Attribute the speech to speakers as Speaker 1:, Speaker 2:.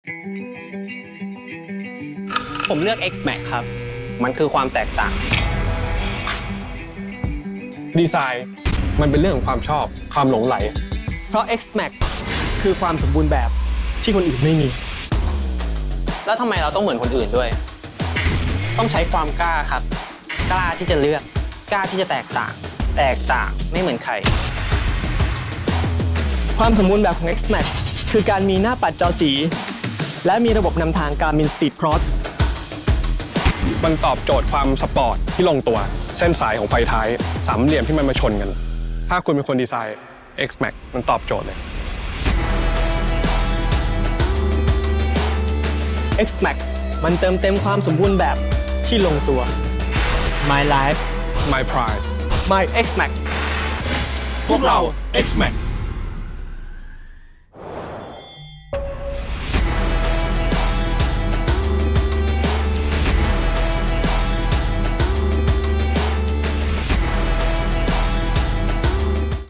Speaker 1: ผมเลือก X-Max ครับ มันคือความแตกต่าง
Speaker 2: ดีไซน์มันเป็นเรื่องของความชอบความหลงไหล
Speaker 3: เพราะ X-Max คือความสมบูรณ์แบบที่คนอื่นไม่มี
Speaker 1: แล้วทำไมเราต้องเหมือนคนอื่นด้วย ต้องใช้ความกล้าครับ กล้าที่จะเลือก กล้าที่จะแตกต่าง แตกต่างไม่เหมือนใคร
Speaker 3: ความสมบูรณ์แบบของ X-Max คือการมีหน้าปัดจอสี และมีระบบนำทาง Garmin Street Cross
Speaker 2: มันตอบโจทย์ความสปอร์ตที่ลงตัว เส้นสายของไฟท้ายสามเหลี่ยมที่มันมาชนกัน ถ้าคุณเป็นคนดีไซน์ X-Max มันตอบโจทย์เลย
Speaker 3: X-Max มันเติมเต็มความสมบูรณ์แบบที่ลงตัว My Life
Speaker 2: My Pride
Speaker 3: My X-Max
Speaker 2: พวกเรา X-Max